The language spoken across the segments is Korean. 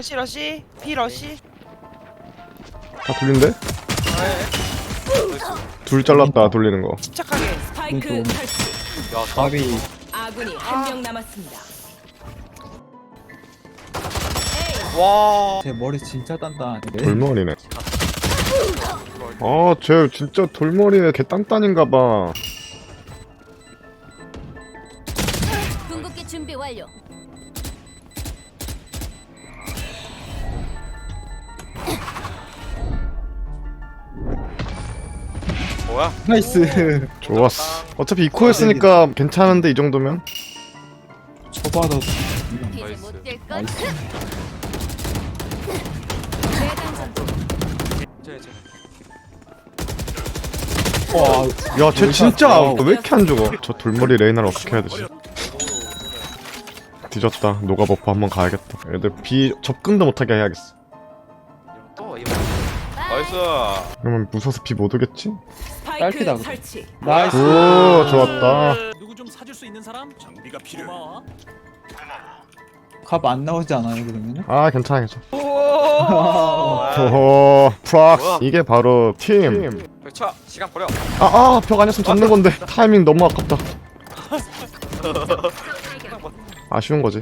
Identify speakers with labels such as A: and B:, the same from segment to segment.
A: 러시 B 러시.
B: 다 돌린데? 둘 잘랐다 돌리는 거.
A: 집착하게.
C: 스파이크
D: 좀-
C: 설치.
E: 야,
D: 밥이
C: 아군이 한 명 남았습니다.
E: 와.
D: 제 머리 진짜 단단한데.
B: 돌머리네. 아, 쟤 진짜 돌머리에 개 단단인가봐.
F: 궁극기 준비 완료.
E: 뭐야?
D: 나이스.
B: 좋았어. 어차피 이코였으니까 괜찮은데 이 정도면?
D: 초바도
F: 이제
E: 나이스.
F: 못 뛸 것.
D: 나이스.
F: 재장전.
D: 와,
B: 야, 쟤 진짜
D: 와우.
B: 왜 이렇게 안 죽어? 저 돌머리 레이나를 어떻게 해야 되지? 뒤졌다. 노가 버프 한번 가야겠다. 애들 B 접근도 못하게 해야겠어.
E: 또 이거. 나이스.
B: 그러면 무서워서 B 못 오겠지?
C: 스파이크
D: 딸피다, 그거.
C: 설치.
D: 나이스.
B: 오, 좋았다.
G: 누구 좀 사줄 수 있는 사람? 장비가 필요해.
D: 갑 안 나오지 않아요 그러면은?
B: 아, 괜찮아, 괜찮아.
A: 오.
B: 오호, 프락스. 이게 바로 팀.
E: 쳐. 시간 버려.
B: 벽 아니었으면 잡는 건데. 타이밍 너무 아깝다. 아쉬운 거지.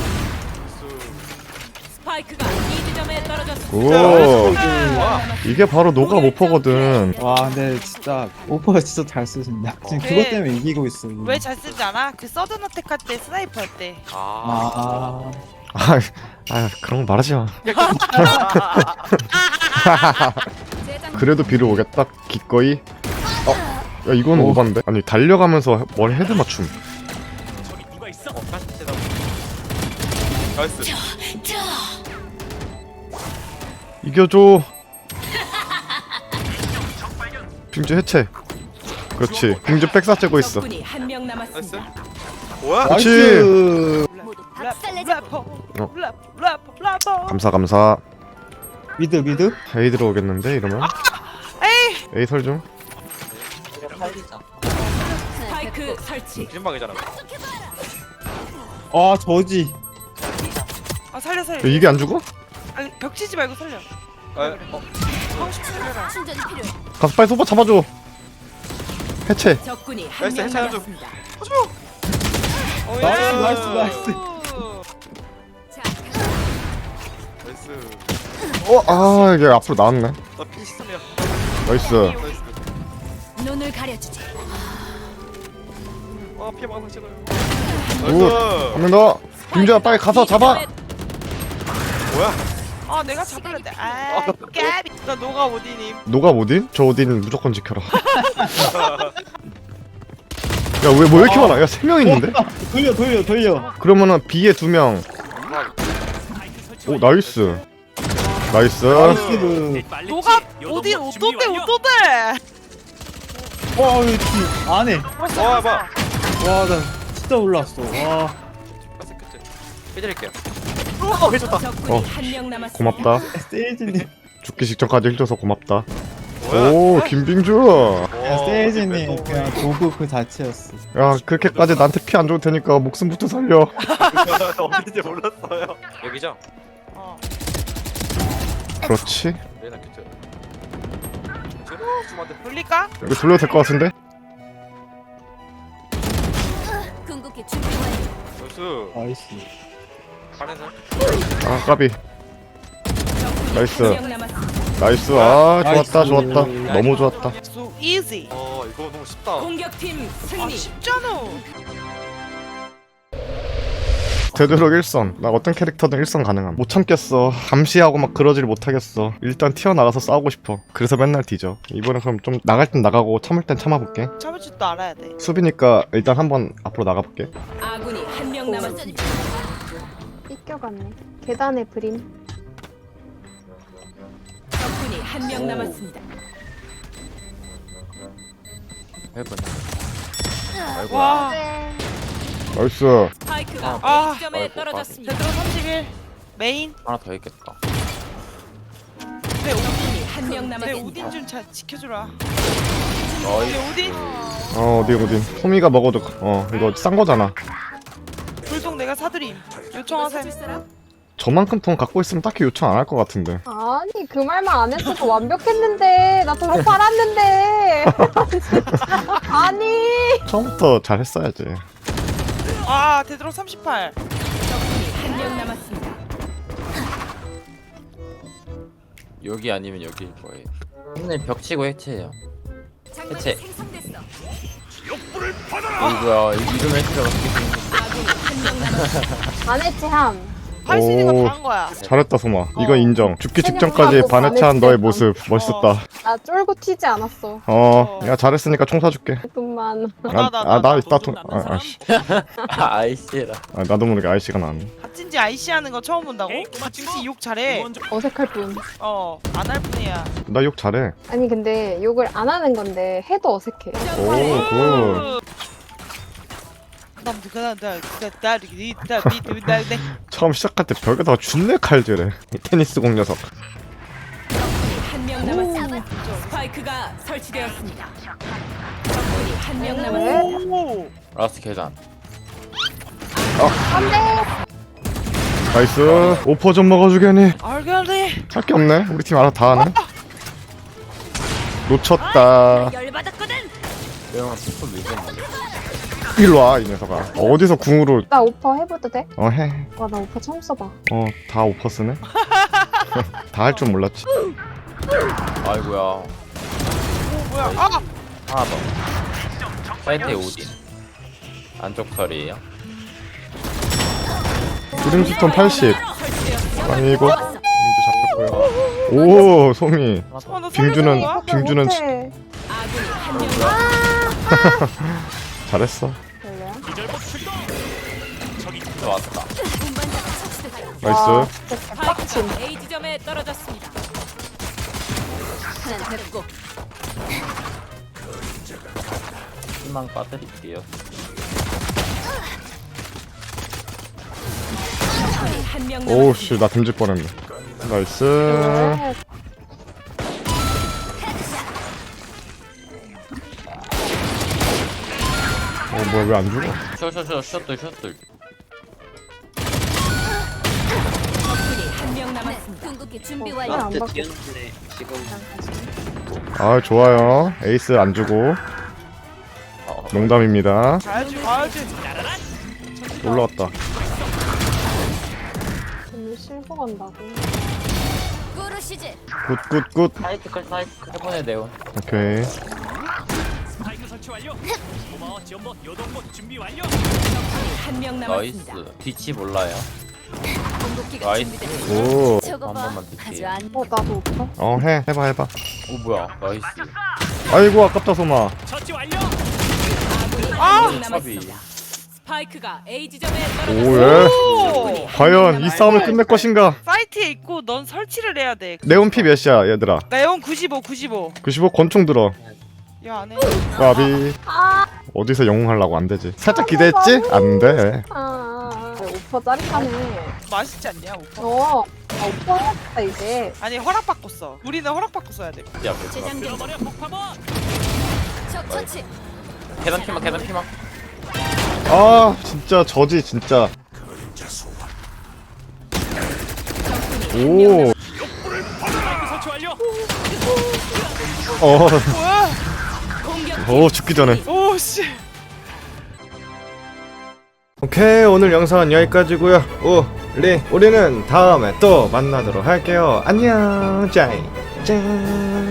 C: 스파이크가 B 지점에 떨어졌습니다.
B: 오,
E: 와.
B: 이게 바로 노가 모퍼거든.
D: 와 근데 진짜 오퍼가 진짜 잘 쓰신다. 지금 그것 때문에 이기고 있어. 이거.
A: 왜 잘 쓰지 않아? 그 서든 어택 할 때 스나이퍼 할 때.
E: 아.
D: 아,
B: 그런 거 말하지 마.
F: 재장.
B: 그래도 비를 오겠다. 기꺼이. 야, 이건
D: 오.
B: 오반데? 아니, 달려가면서 머리 헤드 맞춤.
G: 저기 누가 있어?
E: 나이스.
B: 이겨줘. 빙주 해체. 그렇지. 빙주 백사 째고 있어.
C: 적군이 한 명 남았습니다.
E: 뭐야?
B: 그렇지.
D: 나이스.
F: 모두
A: 래퍼
F: 박살내자.
A: 래퍼 래퍼.
B: 감사.
D: 미드.
B: A 들어오겠는데 이러면? A 설중.
C: 스파이크 설치.
E: 기준방이잖아.
D: 아 저지.
A: 아 살려.
B: 야, 이게 안 죽어?
A: 아니 벽 치지 말고 살려. 하고 싶으면 살려라.
F: 충전이 필요해.
B: 가서 빨리 소바 잡아줘. 해체.
C: 적군이 한
E: 나이스,
C: 명
E: 해체하죠.
C: 남았습니다.
A: 오,
D: 나이스.
F: 자,
E: 나이스.
B: 이게 앞으로 나왔네.
E: 나 피시스템이야.
B: 나이스.
E: 나이스.
F: 눈을 가려주지.
E: 와, 피해 막아서 찍어요.
B: 굿. 한 명 더. 빙주야 빨리 가서 잡아.
E: 뭐야?
A: 아 내가 잡으려는데. 아 까비. 나 노가 오디님.
B: 노가 오딘? 저 오딘 무조건 지켜라. 야, 왜 이렇게 많아? 야, 3명 있는데?
D: 돌려.
B: 그러면은 B에 2명. 오, 나이스. 나이스.
D: 나이스.
A: 노가 오딘 오또대.
D: 와 여기 안에.
E: 와, 봐.
D: 와 나 진짜 올랐어. 와.
E: 끝. 해드릴게요.
C: 적군이 한 명 남았습니다.
B: 고맙다.
D: 세이지님.
B: 죽기 직전까지 힐줘서 고맙다.
E: 뭐야?
B: 오, 김빙주.
D: 야 세이지님 그냥 도구 그 자체였어.
B: 야, 그렇게까지 나한테 피 안 줘도 되니까 목숨부터 살려.
E: 어딘지 몰랐어요. 여기죠?
A: 어.
B: 그렇지.
E: 레이나 큐트. 좀한테
A: 돌릴까?
B: 여기 돌려도 될 것 같은데?
F: 궁극기 준비 완료.
E: 나이스.
D: 나이스.
E: 파란색.
B: 아, 까비.
C: 적군이
B: 나이스.
C: 한 명 남았습니다.
B: 나이스. 아, 좋았다,
D: 나이스.
B: 좋았다. 너무 좋았다.
A: So easy.
E: 이거 너무 쉽다.
C: 공격팀
A: 아
C: 승리.
A: 쉽잖아.
B: 되도록 일선. 나 어떤 캐릭터든 일선 가능함. 못 참겠어. 감시하고 막 그러질 못하겠어. 일단 튀어나가서 싸우고 싶어. 그래서 맨날 뒤져. 이번엔 그럼 좀 나갈 땐 나가고 참을 땐 참아볼게.
A: 참을 줄도 알아야 돼.
B: 수비니까 일단 한번 앞으로 나가볼게.
C: 아군이 한 명 남았습니다.
H: 삐껴갔네. 계단에 그림.
C: 적군이 한 명 남았습니다.
A: 와.
B: 나이스.
C: 스파이크가
A: 아.
C: A 지점에 떨어졌습니다.
A: 제대로 31. 메인.
E: 하나 더 있겠다.
A: 내 오딘.
C: 적군이 한 명
A: 내
C: 남았습니다.
A: 오딘 좀 잘 지켜주라.
E: 어이.
A: 내 오딘.
B: 어디. 소미가 먹어도, 이거 싼 거잖아.
A: 불독 내가 사드림. 요청하세요.
B: 저만큼 돈 갖고 있으면 딱히 요청 안 할 것 같은데.
H: 아니 그 말만 안 했어도 완벽했는데 나 저거 팔았는데. 아니.
B: 처음부터 잘했어야지.
A: 아 되도록 38.
C: 적군이 한 명 남았습니다.
E: 여기 아니면 여기일 거예요. 오늘 벽 치고 해체해요.
F: 장막이
E: 해체.
F: 생성됐어.
E: 이거야 이름 해체가 어떻게 되는
C: 아군이 한 명 남았습니다.
H: 안 해체함.
A: 할 수 있는
B: 오.
A: 거 다 한 거야.
B: 잘했다 소마. 이거
A: 어.
B: 인정. 죽기
H: 세명
B: 직전까지
H: 하고
B: 반해체한
H: 반해체.
B: 너의 모습 멋있었다.
H: 나 쫄고 튀지 않았어.
B: 야 잘했으니까 총 사줄게.
H: 돈만.
B: 나 이따 돈. 아씨.
E: 아이씨라.
B: 나도 모르게 아이씨가 나왔네.
A: 갓진지 IC 하는 거 처음 본다고?
G: 에이, 꼬마 친구.
A: 진지 욕 잘해.
G: 먼저
H: 어색할 뿐.
A: 안 할 뿐이야.
B: 나 욕 잘해.
H: 아니 근데 욕을 안 하는 건데 해도 어색해.
B: 오 굿. 처음 시작할 때 벽에다가 준내 칼질해. 이 테니스 공 녀석.
C: 적군이 한 명 남았습니다. 스파이크가 설치되었습니다. 적군이 한 명 남았습니다.
A: 오.
E: 라스트 계단.
B: 나이스. 오퍼 좀 먹어주겠니?
A: 알겠네.
B: 할 게 없네. 우리 팀 알아 다 하네. 놓쳤다.
F: 열받았거든.
E: 영화 피플 리젠드.
B: 일로 와 이 녀석아. 어디서 궁으로
H: 나 오퍼 해봐도 돼?
B: 해.
H: 와 나 오퍼 처음 써봐.
B: 다 오퍼 쓰네. 다 할 줄 몰랐지.
E: 아이고야.
A: 오 뭐야? 아!
E: 하나 더. 사이트에 오딘. 안쪽 털이에요.
B: 브림스톤 80.
C: 설치되었습니다.
B: 아니 이거 빙주 잡혔고요. 오 소미.
A: 나
B: 빙주는
A: 살려줘.
B: 빙주는
H: 못해.
C: 아군이 한 명 남았습니다.
B: 잘했어.
H: 별로야?
G: 기절복 출동. 저기
E: 왔다.
F: 운반자가 처치됐다.
B: 나이스.
H: 진짜 빡침.
C: 스파이크가 A 지점에 떨어졌습니다.
F: 하나 됐고.
E: 희망 빠뜨릴게요.
C: 적군이 한 명 남았습니다.
B: 오씨 나 댐질 뻔했네. 나이스.
H: 왜?
B: 뭐야 왜 안 죽어?
E: 셔틀.
C: 적군이 한 명 남았습니다.
F: 궁극기 준비
H: 어,
F: 완료.
H: 안 받고.
B: 아 좋아요. 에이스 안 주고. 농담입니다.
A: 가야지 가야지.
B: 올라왔다.
H: 오늘 실버 간다고.
F: 꾸르시즈.
B: 굿굿굿.
E: 사이트클 해본의 네온.
B: 오케이.
G: 스파이크 설치 완료. 고마워 지원봇 요동봇 준비 완료.
C: 적군이 한 명
E: 나이스.
C: 남았습니다.
E: 뒤치 몰라요.
F: 궁극기가
E: 나이스.
F: 준비됐어.
B: 오.
F: 저거
E: 한
F: 봐.
E: 번만
F: 아주
E: 드릴게요.
F: 안.
H: 나도 오퍼?
B: 해봐.
E: 오 뭐야. 나이스.
B: 아이고 아깝다 소마.
G: 처치 완료.
C: 아군이
A: 아!
C: 한 명
E: 차비.
C: 남았습니다. 스파이크가 A 지점에 떨어졌습니다.
B: 오예.
A: 오.
B: 과연 이 싸움을 끝낼 것인가?
A: 사이트에 있고 넌 설치를 해야 돼.
B: 네온 피 몇이야 얘들아?
A: 내용 95.
B: 95 권총 들어.
A: 야 안해.
B: 까비. 어디서 영웅하려고 안 되지. 살짝 기대했지? 안 돼.
H: 오퍼 짜릿하네.
A: 맛있지 않냐 오빠?
H: 오퍼 해야겠다 이제.
A: 아니 허락받고 써. 우리는 허락받고 써야 돼.
E: 야
F: 재장전.
G: 들어버려 폭파봇.
F: 적 처치.
E: 계단 피막.
B: 아 진짜 저지 진짜. 오.
G: 스파이크 설치 완료.
A: 뭐야?
C: 공격
B: 죽기 전에.
A: 오 씨.
B: 오케이 오늘 영상은 여기까지고요. 우리는 다음에 또 만나도록 할게요. 안녕. 짠.